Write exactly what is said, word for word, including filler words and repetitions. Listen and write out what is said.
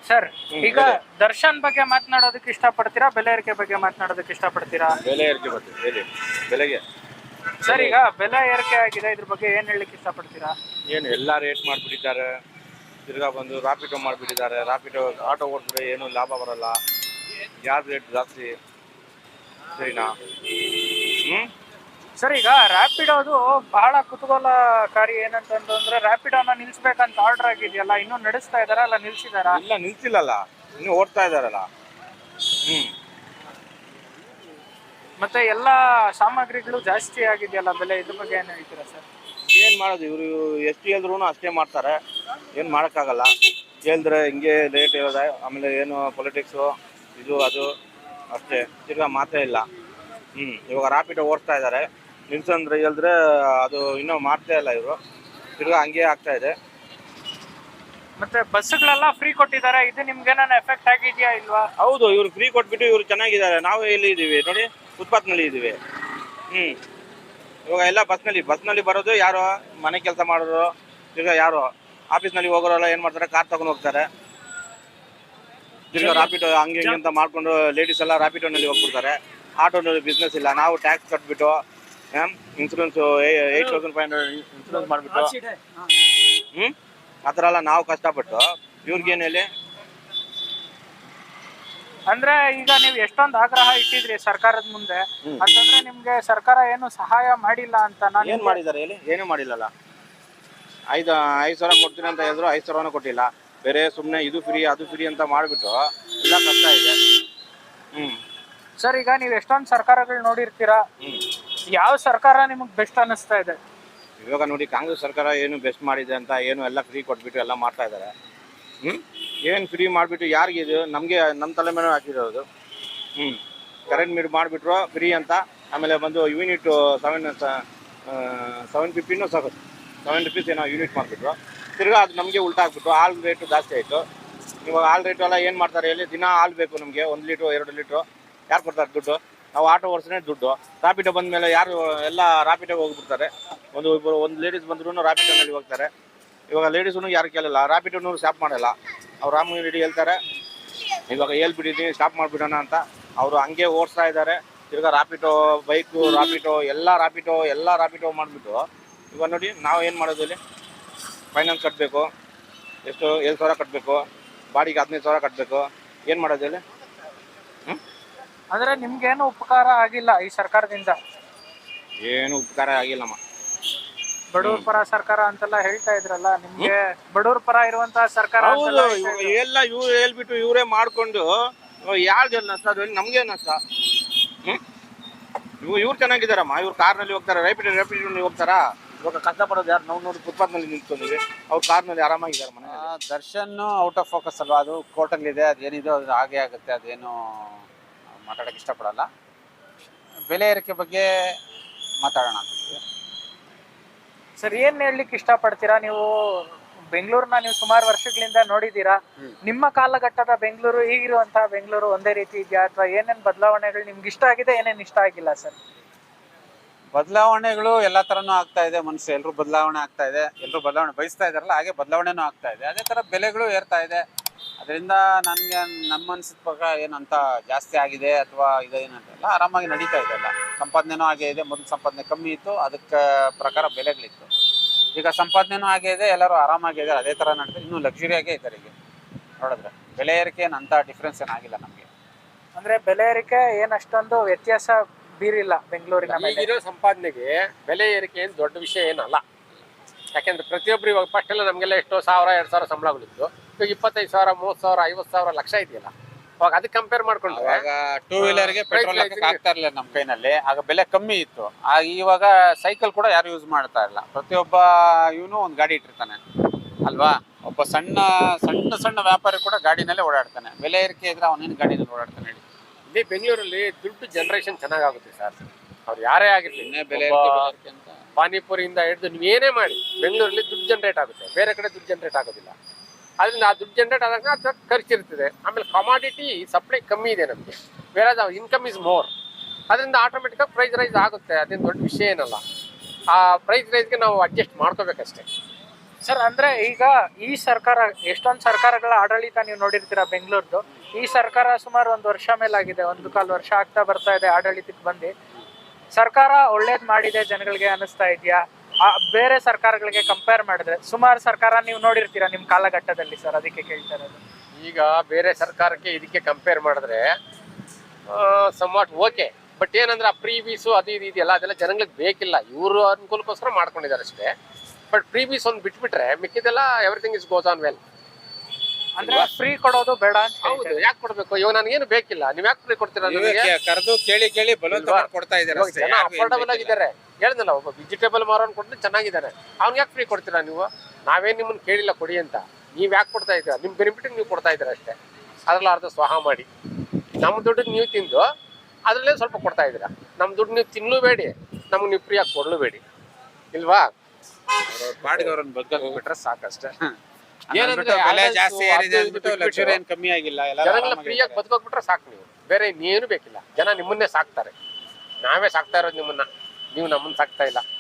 Sir ಈಗ ದರ್ಶನ್ ಬಗ್ಗೆ ಮಾತನಾಡೋದಕ್ಕೆ ಇಷ್ಟಪಡ್ತೀರಾ, ಬೆಲೆ ಏರಿಕೆ ಬಗ್ಗೆ ಮಾತನಾಡೋದಕ್ಕೆ ಇಷ್ಟಪಡ್ತೀರಾ? ಬೆಲೆ ಏರಿಕೆ ಬಗ್ಗೆ ಹೇಳಿ. ಬೆಲೆಗೆ ಸರ್ ಈಗ ಬೆಲೆ ಏರಿಕೆ ಆಗಿದೆ, ಇದ್ರ ಬಗ್ಗೆ ಏನ್ ಹೇಳಲಿಕ್ಕೆ ಇಷ್ಟಪಡ್ತೀರಾ? ಏನು ಎಲ್ಲ ರೇಟ್ ಮಾಡಿಬಿಟ್ಟಿದ್ದಾರೆ. ತಿರ್ಗಾ ಬಂದು ರಾಪಿಟೋ ಮಾಡಿಬಿಟ್ಟಿದ್ದಾರೆ. ರಾಪಿಟೋ ಆಟೋ ಓಡಿಸಿದ್ರೆ ಏನು ಲಾಭ ಬರಲ್ಲ, ಗ್ಯಾಸ್ ರೇಟ್ ಜಾಸ್ತಿ. ಸರಿನಾ? ಹ್ಞೂ ಸರ್ ಈಗ ರ್ಯಾಪಿಡೋದು ಬಹಳ ಕುತೂಹಲಕಾರಿ ಏನಂತಂದ್ರೆ ರ್ಯಾಪಿಡೋನ ನಿಲ್ಸ್ಬೇಕಂತ ಆರ್ಡರ್ ಆಗಿದೆಯಲ್ಲ, ಇನ್ನೂ ನಡೆಸ್ತಾ ಇದಾರ ಅಲ್ಲ ನಿಲ್ಸಿದಾರ? ಇಲ್ಲ, ನಿಲ್ಸಿಲ್ಲಲ್ಲ, ಇನ್ನೂ ಓಡ್ತಾ ಇದ್ದಾರಲ್ಲ. ಹ್ಞೂ ಮತ್ತೆ ಎಲ್ಲ ಸಾಮಗ್ರಿಗಳು ಜಾಸ್ತಿ ಆಗಿದೆಯಲ್ಲ ಬೆಲೆ, ಇದ್ರ ಬಗ್ಗೆ ಏನು ಹೇಳ್ತೀರಾ ಸರ್? ಏನು ಮಾಡೋದು, ಇವರು ಎಷ್ಟು ಹೇಳಿದ್ರು ಅಷ್ಟೇ ಮಾಡ್ತಾರೆ. ಏನು ಮಾಡೋಕ್ಕಾಗಲ್ಲ. ಹೇಳಿದ್ರೆ ಹಿಂಗೆ ರೇಟ್ ಇರೋದೆ. ಆಮೇಲೆ ಏನು ಪೊಲಿಟಿಕ್ಸು ಇದು ಅದು ಅಷ್ಟೇ, ತಿರ್ಗಾ ಮಾತೇ ಇಲ್ಲ. ಹ್ಞೂ ಇವಾಗ ರಾಪಿಡೋ ಓಡಿಸ್ತಾ ಇದ್ದಾರೆ, ನಿಲ್ಸಂದ್ರೆ ಹೇಳಿದ್ರೆ ಅದು ಇನ್ನೂ ಮಾಡ್ತಾ ಇಲ್ಲ ಇವರು. ತಿರ್ಗಾ ಹಂಗೆ ಆಗ್ತಾ ಇದೆ. ಮತ್ತೆ ಬಸ್ಗಳೆಲ್ಲ ಫ್ರೀ ಕೊಟ್ಟಿದ್ದಾರೆ, ಇದು ನಿಮ್ಗೆ ಏನಾನ ಎಫೆಕ್ಟ್ ಆಗಿದೆಯಾ ಇಲ್ವಾ? ಹೌದು, ಇವ್ರು ಫ್ರೀ ಕೊಟ್ಬಿಟ್ಟು ಇವರು ಚೆನ್ನಾಗಿದ್ದಾರೆ. ನಾವು ಎಲ್ಲಿ ಇದ್ದೀವಿ ನೋಡಿ, ಫುಟ್ಪಾತ್ನಲ್ಲಿ ಇದ್ದೀವಿ. ಹ್ಞೂ ಇವಾಗ ಎಲ್ಲ ಬಸ್ನಲ್ಲಿ ಬಸ್ನಲ್ಲಿ ಬರೋದು ಯಾರು ಮನೆ ಕೆಲಸ ಮಾಡೋರು, ತಿರ್ಗಾ ಯಾರು ಆಫೀಸ್ನಲ್ಲಿ ಹೋಗೋರೆಲ್ಲ ಏನು ಮಾಡ್ತಾರೆ, ಕಾರ್ ತಗೊಂಡು ಹೋಗ್ತಾರೆ. ತಿರ್ಗಾ ರಾಪಿಡೋ ಹಂಗೆ ಹಿಂಗೆ ಅಂತ ಮಾಡ್ಕೊಂಡು ಲೇಡೀಸ್ ಎಲ್ಲ ರಾಪಿಡೋನಲ್ಲಿ ಹೋಗ್ಬಿಡ್ತಾರೆ. ಆಟೋನಲ್ಲಿ ಬಿಸ್ನೆಸ್ ಇಲ್ಲ. ನಾವು ಟ್ಯಾಕ್ಸ್ ಕಟ್ಬಿಟ್ಟು insurance eight thousand five hundred insurance ಮಾಡಿಬಿಟ್ಟು ಹ್ಞೂ ಆ ಥರ ಎಲ್ಲ ನಾವು ಕಷ್ಟಪಟ್ಟು ಇವ್ರಿಗೇನು ಹೇಳಿ. ಅಂದ್ರೆ ಈಗ ನೀವು ಎಷ್ಟೊಂದು ಆಗ್ರಹ ಇಟ್ಟಿದ್ರಿ ಸರ್ಕಾರದ ಮುಂದೆ, ಅಂತಂದ್ರೆ ನಿಮ್ಗೆ ಸರ್ಕಾರ ಏನು ಸಹಾಯ ಮಾಡಿಲ್ಲ ಅಂತ? ನಾನು ಏನು ಮಾಡಿದ್ದಾರೆ ಹೇಳಿ? ಏನೂ ಮಾಡಿಲ್ಲಲ್ಲ. ಐದು ಐದು ಸಾವಿರ ಕೊಡ್ತೀನಿ ಅಂತ ಹೇಳಿದ್ರು, ಐದು ಸಾವಿರನೂ ಕೊಟ್ಟಿಲ್ಲ. ಬೇರೆ ಸುಮ್ಮನೆ ಇದು ಫ್ರೀ ಅದು ಫ್ರೀ ಅಂತ ಮಾಡಿಬಿಟ್ಟು ಎಲ್ಲ ಕಷ್ಟ ಇದೆ. ಹ್ಞೂ ಸರ್ ಈಗ ನೀವು ಎಷ್ಟೊಂದು ಸರ್ಕಾರಗಳು ನೋಡಿರ್ತೀರಾ, ಹ್ಞೂ ಯಾವ ಸರ್ಕಾರ ನಿಮಗೆ ಬೆಸ್ಟ್ ಅನ್ನಿಸ್ತಾ ಇದೆ? ಇವಾಗ ನೋಡಿ, ಕಾಂಗ್ರೆಸ್ ಸರ್ಕಾರ ಏನು ಬೆಸ್ಟ್ ಮಾಡಿದೆ ಅಂತ, ಏನು ಎಲ್ಲ ಫ್ರೀ ಕೊಟ್ಬಿಟ್ಟು ಎಲ್ಲ ಮಾಡ್ತಾ ಇದ್ದಾರೆ. ಹ್ಞೂ ಏನು ಫ್ರೀ ಮಾಡಿಬಿಟ್ಟು ಯಾರಿಗೆ ಇದು ನಮಗೆ ನಮ್ಮ ತಲೆ ಮೇಲೆ ಹಾಕಿರೋದು. ಹ್ಞೂ ಕರೆಂಟ್ ಮೀಟ್ ಮಾಡಿಬಿಟ್ರು ಫ್ರೀ ಅಂತ. ಆಮೇಲೆ ಬಂದು ಯೂನಿಟ್ ಸೆವೆನ್ ಸೆವೆನ್ ಫಿಫ್ಟಿನೂ ಸಾಕು ಸೆವೆನ್ ರುಪೀಸ್ ಏನೋ ಯೂನಿಟ್ ಮಾಡಿಬಿಟ್ರು. ತಿರ್ಗಾ ಅದು ನಮಗೆ ಉಲ್ಟಾ ಹಾಕ್ಬಿಟ್ಟು ಹಾಲು ರೇಟು ಜಾಸ್ತಿ ಆಯಿತು. ಇವಾಗ ಹಾಲು ರೇಟು ಎಲ್ಲ ಏನು ಮಾಡ್ತಾರೆ ಹೇಳಿ? ದಿನ ಹಾಲು ಬೇಕು ನಮಗೆ, ಒಂದು ಲೀಟ್ರು ಎರಡು ಲೀಟ್ರು. ಯಾರು ಕೊಡ್ತಾರೆ ದುಡ್ಡು? ನಾವು ಆಟೋ ಓಡಿಸ್ನೇ ದುಡ್ಡು. ರಾಪಿಡೋ ಬಂದ ಮೇಲೆ ಯಾರು ಎಲ್ಲ ರಾಪಿಡೋಗೆ ಹೋಗ್ಬಿಡ್ತಾರೆ. ಒಂದು ಇಬ್ಬರು ಒಂದು ಲೇಡೀಸ್ ಬಂದ್ರೂ ರಾಪಿಡೋನಲ್ಲಿ ಹೋಗ್ತಾರೆ. ಇವಾಗ ಲೇಡೀಸೂ ಯಾರು ಕೇಳಲ್ಲ, ರಾಪಿಡೋನೂ ಸ್ಟಾಪ್ ಮಾಡಲ್ಲ. ಅವ್ರು ರಾಮ ರೆಡ್ಡಿ ಹೇಳ್ತಾರೆ ಇವಾಗ ಹೇಳ್ಬಿಟ್ಟಿದ್ದೀನಿ ಸ್ಟಾಪ್ ಮಾಡಿಬಿಡೋಣ ಅಂತ, ಅವರು ಹಂಗೆ ಓಡಿಸ್ತಾ ಇದ್ದಾರೆ. ತಿರ್ಗಾ ರಾಪಿಡೋ ಬೈಕು ರಾಪಿಡೋ ಎಲ್ಲ ರಾಪಿಡೋ ಎಲ್ಲ ರಾಪಿಡೋ ಮಾಡಿಬಿಟ್ಟು ಇವಾಗ ನೋಡಿ ನಾವು ಏನು ಮಾಡೋದು ಇಲ್ಲಿ? ಫೈನಾನ್ಸ್ ಕಟ್ಟಬೇಕು, ಎಷ್ಟು ಏಳು ಸಾವಿರ ಕಟ್ಟಬೇಕು, ಬಾಡಿಗೆ ಹದಿನೈದು ಸಾವಿರ ಕಟ್ಟಬೇಕು. ಏನು ಮಾಡೋದು ಹೇಳಿ? ಹ್ಞೂ ಅಂದ್ರೆ ನಿಮ್ಗೇನು ಉಪಕಾರ ಆಗಿಲ್ಲ ಈ ಸರ್ಕಾರದಿಂದ? ಏನು ಉಪಕಾರ ಆಗಿಲ್ಲಮ್ಮ. ಬಡವ್ರ ಪರ ಸರ್ಕಾರ ಅಂತೆಲ್ಲ ಹೇಳ್ತಾ ಇದ್ರಲ್ಲ, ನಿಮ್ಗೆ ಬಡವ್ರ ಪರ ಇರುವಂತಹ ಸರ್ಕಾರ ಹೌದು, ಎಲ್ಲ ಇವ್ರು ಹೇಳ್ಬಿಟ್ಟು ಇವರೇ ಮಾಡಿಕೊಂಡು ಯಾರಿಗೆ ನಷ್ಟ? ಅದು ನಮಗೆ ನಷ್ಟ. ಹ್ಞೂ ಇವು ಇವ್ರು ಚೆನ್ನಾಗಿದ್ದಾರಮ್ಮ, ಇವ್ರು ಕಾರ್ನಲ್ಲಿ ಹೋಗ್ತಾರೆ, ರೈಪಿಡ್ ರೈಪಿಡ್ನಲ್ಲಿ ಹೋಗ್ತಾರಾ? ಇವಾಗ ಕಷ್ಟಪಡೋದು ಯಾರು? ನಾವು ನೋಡಿ ಫುಟ್ಪಾತ್ನಲ್ಲಿ ನಿಂತ್ಕೊಂಡಿವಿ, ಅವ್ರು ಕಾರ್ನಲ್ಲಿ ಆರಾಮಾಗಿದ್ದಾರೆ ಮನೆ. ದರ್ಶನ್ ಔಟ್ ಆಫ್ ಫೋಕಸ್ ಅಲ್ವಾ? ಅದು ಕೋರ್ಟಲ್ಲಿದೆ, ಅದೇನಿದೆ ಅದು ಹಾಗೆ ಆಗುತ್ತೆ, ಅದೇನು ಮಾತಾಡೋಕ್ಕೆ ಇಷ್ಟಪಡಲ್ಲ. ಬೆಲೆ ಏರಿಕೆ ಬಗ್ಗೆ ಮಾತಾಡೋಣ ಅಂತ. ಸರ್ ಏನ್ ಹೇಳ್ಲಿಕ್ಕೆ ಇಷ್ಟಪಡ್ತೀರಾ? ನೀವು ಬೆಂಗಳೂರನ್ನ ನೀವು ಸುಮಾರು ವರ್ಷಗಳಿಂದ ನೋಡಿದೀರಾ. ನಿಮ್ಮ ಕಾಲಘಟ್ಟದ ಬೆಂಗಳೂರು ಈಗಿರುವಂತಹ ಬೆಂಗಳೂರು ಒಂದೇ ರೀತಿ ಇದೆಯಾ, ಅಥವಾ ಏನೇನ್ ಬದಲಾವಣೆಗಳು ನಿಮ್ಗೆ ಇಷ್ಟ ಆಗಿದೆ, ಏನೇನ್ ಇಷ್ಟ ಆಗಿಲ್ಲ ಸರ್? ಬದಲಾವಣೆಗಳು ಎಲ್ಲ ತರನೂ ಆಗ್ತಾ ಇದೆ. ಮನುಷ್ಯ ಎಲ್ಲರೂ ಬದಲಾವಣೆ ಆಗ್ತಾ ಇದೆ, ಎಲ್ಲರೂ ಬದಲಾವಣೆ ಬಯಸ್ತಾ ಇದಾರಲ್ಲ, ಹಾಗೆ ಬದಲಾವಣೆನೂ ಆಗ್ತಾ ಇದೆ. ಅದೇ ತರ ಬೆಲೆಗಳು ಏರ್ತಾ ಇದೆ. ಅದರಿಂದ ನನಗೆ ನಮ್ಮ ಅನ್ಸಿದ ಪ್ರಕಾರ ಏನಂತ ಜಾಸ್ತಿ ಆಗಿದೆ ಅಥವಾ ಇದೇನಂತೆಲ್ಲ ಆರಾಮಾಗಿ ನಡೀತಾ ಇದೆ. ಎಲ್ಲ ಸಂಪಾದನೆನೂ ಹಾಗೆ ಇದೆ. ಮೊದಲು ಸಂಪಾದನೆ ಕಮ್ಮಿ ಇತ್ತು, ಅದಕ್ಕೆ ಪ್ರಕಾರ ಬೆಲೆಗಳಿತ್ತು. ಈಗ ಸಂಪಾದನೆನೂ ಹಾಗೆ ಇದೆ, ಎಲ್ಲರೂ ಆರಾಮಾಗಿದೆ, ಅದೇ ಥರ ನಡೀತಾರೆ. ಇನ್ನೂ ಲಕ್ಸುರಿಯಾಗೇ ಇದ್ದಾರೆ. ಈಗ ನೋಡಿದ್ರೆ ಬೆಲೆ ಏರಿಕೆ ಏನಂತ ಡಿಫ್ರೆನ್ಸ್ ಏನಾಗಿಲ್ಲ ನಮಗೆ. ಅಂದ್ರೆ ಬೆಲೆ ಏರಿಕೆ ಏನ್ ಅಷ್ಟೊಂದು ವ್ಯತ್ಯಾಸ ಬೀರಿಲ್ಲ ಬೆಂಗಳೂರಿನ ಮೇಲೆ. ಈಗಿರೋ ಸಂಪಾದನೆಗೆ ಬೆಲೆ ಏರಿಕೆ ಏನು ದೊಡ್ಡ ವಿಷಯ ಏನಲ್ಲ. ಯಾಕೆಂದ್ರೆ ಪ್ರತಿಯೊಬ್ಬರು ಇವಾಗ ಫಸ್ಟ್ ಎಲ್ಲ ನಮಗೆಲ್ಲ ಎಷ್ಟೋ ಸಾವಿರ ಎರಡು ಸಾವಿರ ಸಂಬಳಗಳಿತ್ತು. ಇವಾಗ ಇಪ್ಪತ್ತೈದು ಸಾವಿರ ಮೂವತ್ತು ಸಾವಿರ ಐವತ್ತು ಸಾವಿರ ಲಕ್ಷ ಇದೆಯಲ್ಲ. ಅವಾಗ ಅದಕ್ಕೆ ಕಂಪೇರ್ ಮಾಡ್ಕೊಂಡ್ರೆ ಆಗ ಟೂ ವೀಲರ್ಗೆ ಪೆಟ್ರೋಲ್ ಆಗ್ತಾ ಇರಲಿಲ್ಲ ನಮ್ಮ ಕೈನಲ್ಲಿ, ಆಗ ಬೆಲೆ ಕಮ್ಮಿ ಇತ್ತು. ಆಗ ಇವಾಗ ಸೈಕಲ್ ಕೂಡ ಯಾರು ಯೂಸ್ ಮಾಡ್ತಾ ಇಲ್ಲ. ಪ್ರತಿಯೊಬ್ಬ ಇವನು ಒಂದು ಗಾಡಿ ಇಟ್ಟಿರ್ತಾನೆ ಅಲ್ವಾ? ಒಬ್ಬ ಸಣ್ಣ ಸಣ್ಣ ಸಣ್ಣ ವ್ಯಾಪಾರಿ ಕೂಡ ಗಾಡಿನಲ್ಲೇ ಓಡಾಡ್ತಾನೆ. ಬೆಲೆ ಏರಿಕೆ ಇದ್ರೆ ಅವನೇನು ಗಾಡಿನಲ್ಲಿ ಓಡಾಡ್ತಾನೆ ಹೇಳಿ? ಇಲ್ಲಿ ಬೆಂಗಳೂರಲ್ಲಿ ದುಡ್ಡು ಜನರೇಷನ್ ಚೆನ್ನಾಗುತ್ತೆ ಸರ್. ಅವ್ರು ಯಾರೇ ಆಗಿರ್ಲಿ, ಬೆಲೆ ಅಂತ ಪಾನಿಪುರಿಯಿಂದ ಹಿಡಿದು ನೀವೇನೇ ಮಾಡಿ ಬೆಂಗಳೂರಲ್ಲಿ ದುಡ್ಡು ಜನರೇಟ್ ಆಗುತ್ತೆ, ಬೇರೆ ಕಡೆ ದುಡ್ಡು ಜನರೇಟ್ ಆಗೋದಿಲ್ಲ. ಅದರಿಂದ ಆ ದುಡ್ಡು ಜನರೇಟ್ ಆದಾಗ ಅದು ಖರ್ಚಿರ್ತದೆ. ಆಮೇಲೆ ಕಮಾಡಿಟಿ ಸಪ್ಲೈ ಕಮ್ಮಿ ಇದೆ ನಮಗೆ, ಬೇರೆ ಇನ್ಕಮ್ ಇಸ್ ಮೋರ್. ಅದರಿಂದ ಆಟೋಮೆಟಿಕಾಗಿ ಪ್ರೈಸ್ ರೈಸ್ ಆಗುತ್ತೆ. ಅದೇನು ದೊಡ್ಡ ವಿಷಯ ಏನಲ್ಲ. ಆ ಪ್ರೈಸ್ ರೈಸ್ಗೆ ನಾವು ಅಡ್ಜಸ್ಟ್ ಮಾಡ್ಕೋಬೇಕಷ್ಟೇ. ಸರ್ ಅಂದ್ರೆ ಈಗ ಈ ಸರ್ಕಾರ ಎಷ್ಟೊಂದು ಸರ್ಕಾರಗಳ ಆಡಳಿತ ನೀವು ನೋಡಿರ್ತೀರಾ ಬೆಂಗಳೂರ್ದು. ಈ ಸರ್ಕಾರ ಸುಮಾರು ಒಂದು ವರ್ಷ ಮೇಲಾಗಿದೆ, ಒಂದು ಕಾಲು ವರ್ಷ ಆಗ್ತಾ ಬರ್ತಾ ಇದೆ ಆಡಳಿತಕ್ಕೆ ಬಂದು. ಸರ್ಕಾರ ಒಳ್ಳೇದ್ ಮಾಡಿದೆ ಜನಗಳಿಗೆ ಅನಿಸ್ತಾ ಇದೆಯಾ? ಬೇರೆ ಸರ್ಕಾರಗಳಿಗೆ ಕಂಪೇರ್ ಮಾಡಿದ್ರೆ ಸುಮಾರು ಸರ್ಕಾರ ನೀವು ನೋಡಿರ್ತೀರಾ ನಿಮ್ ಕಾಲಘಟ್ಟದಲ್ಲಿ ಸರ್, ಅದಕ್ಕೆ ಕೇಳ್ತಾ ಇರೋದು. ಈಗ ಬೇರೆ ಸರ್ಕಾರಕ್ಕೆ ಇದಕ್ಕೆ ಕಂಪೇರ್ ಮಾಡಿದ್ರೆ ಸಮ್ವಾಟ್ ಓಕೆ, ಬಟ್ ಏನಂದ್ರೆ ಆ ಪ್ರೀವೀಸು ಅದು ಇದು ಇದೆಯಲ್ಲ ಅದೆಲ್ಲ ಜನಗಳಿಗೆ ಬೇಕಿಲ್ಲ, ಇವರು ಅನುಕೂಲಕ್ಕೋಸ್ಕರ ಮಾಡ್ಕೊಂಡಿದ್ದಾರೆ ಅಷ್ಟೇ. ಬಟ್ ಪ್ರೀವೀಸ್ ಒಂದು ಬಿಟ್ಬಿಟ್ರೆ ಮಿಕ್ಕಿದೆಲ್ಲ everything is goes on well. ಅಂದ್ರೆ ಫ್ರೀ ಕೊಡೋದು ಬೇಡ ಅಂತ ಹೌದು, ಯಾಕೆ ಕೊಡ್ಬೇಕು? ಇವಾಗ ನನಗೇನು ಬೇಕಿಲ್ಲ, ನೀವ್ ಯಾಕೆ ಫ್ರೀ ಕೊಡ್ತೀರಾ? ಕರೆದು ಕೇಳಿ ಕೇಳಿ ಬಲವಂತ ಮಾಡಿ ಕೊಡ್ತಾ ಇದ್ದಾರೆ ಅಷ್ಟೇ. ಜನ ಅಫೋರ್ಡಬಲ್ ಆಗಿದ್ದಾರೆ. ಹೇಳಿದ್ನಲ್ಲ, ಒಬ್ಬ ವೆಜಿಟೇಬಲ್ ಮಾರೋನ್ ಕೊಟ್ಟರೆ ಚೆನ್ನಾಗಿದ್ದಾರೆ, ಅವ್ನಿಗೆ ಯಾಕೆ ಫ್ರೀ ಕೊಡ್ತೀರಾ ನೀವು? ನಾವೇನು ನಿಮ್ಮನ್ನ ಕೇಳಿಲ್ಲ ಕೊಡಿ ಅಂತ, ನೀವ್ ಯಾಕೆ ಕೊಡ್ತಾ ಇದ್ದೀರಾ? ನಿಮ್ ಬೆನಿಫಿಟ್ ನೀವು ಕೊಡ್ತಾ ಇದ್ದೀರಾ ಅಷ್ಟೇ. ಅದ್ರಲ್ಲಿ ಅರ್ಧ ಸ್ವಾಹ ಮಾಡಿ ನಮ್ಮ ದುಡ್ಡು ನೀವು ತಿಂದು ಅದ್ರಲ್ಲೇ ಸ್ವಲ್ಪ ಕೊಡ್ತಾ ಇದ್ದೀರಾ. ನಮ್ಮ ದುಡ್ಡು ನೀವು ತಿನ್ನಲೂಬೇಡಿ, ನಮ್ಗೆ ನೀವು ಫ್ರೀಯಾಗಿ ಕೊಡಲೂಬೇಡಿ, ಇಲ್ವಾ? ಪಾಡಿಗೆ ಅವ್ರನ್ನ ಬದುಕಿ ಸಾಕಷ್ಟೇ. ಏನಂದ್ರೆ ಬೆಲೆ ಜಾಸ್ತಿ ಏರಿದೆ ಅಂದ್ಬಿಟ್ಟು ಲಕ್ಷರಿ ಏನ್ ಕಮ್ಮಿ ಆಗಿಲ್ಲ, ಜನಗಳ ಫ್ರೀಯಾಗಿ ಬದುಕೋಗ್ಬಿಟ್ರೆ ಸಾಕು. ನೀವು ಬೇರೆ ಇನ್ನೇನು ಬೇಕಿಲ್ಲ. ಜನ ನಿಮ್ಮನ್ನೇ ಸಾಕ್ತಾರೆ, ನಾವೇ ಸಾಕ್ತಾ ಇರೋದು ನಿಮ್ಮನ್ನ, ನೀವು ನಮ್ಮನ್ನ ಸಾಕ್ತಾ ಇಲ್ಲ.